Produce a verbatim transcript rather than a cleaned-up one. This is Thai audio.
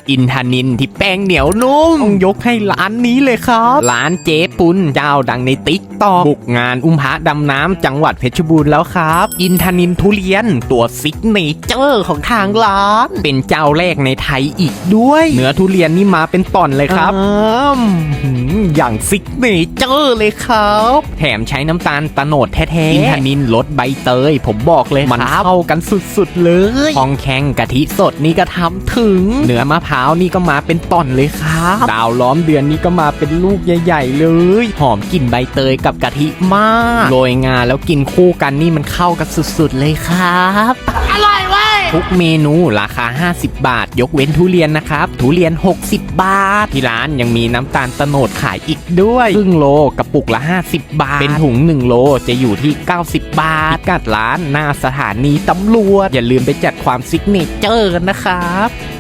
อินทนิลที่แป้งเหนียวนุ่มต้องยกให้ร้านนี้เลยครับร้านเจ๊ปุนเจ้าดังในติ๊กต็อกบุกงานอุ้มพระดำน้ำจังหวัดเพชรบูรณ์แล้วครับอินทนิลทุเรียนตัวซิกเนเจอร์ของทางร้านเป็นเจ้าแรกในไทยอีกด้วยเนื้อทุเรียนนี่มาเป็นตอนเลยครับอย่างซิกเนเจอร์เลยครับแถมใช้น้ำตาลตะโนดแท้ๆอินทนิลรสใบเตยผมบอกเลยมันเข้ากันสุดๆเลยทองแข็งกะทิสดนี่ก็ทำถึงเนื้อมะพร้าวนี่ก็มาเป็นตอนเลยครับดาวล้อมเดือนนี่ก็มาเป็นลูกใหญ่ๆเลยหอมกลิ่นใบเตยกับกะทิมากโรยงาแล้วกินคู่กันนี่มันเข้ากันสุดๆเลยครับอร่อยเว้ยทุกเมนูราคาห้าสิบบาทยกเว้นทุเรียนนะครับทุเรียนหกสิบบาทที่ร้านยังมีน้ำตาลตะโนดขายอีกด้วยครึ่งโลกระปุกละห้าสิบบาทเป็นถุงหนึ่งโลจะอยู่ที่เก้าสิบบาทพิกัดร้านหน้าสถานีตำรวจอย่าลืมไปจัดความซิกเนเจอร์กันนะครับ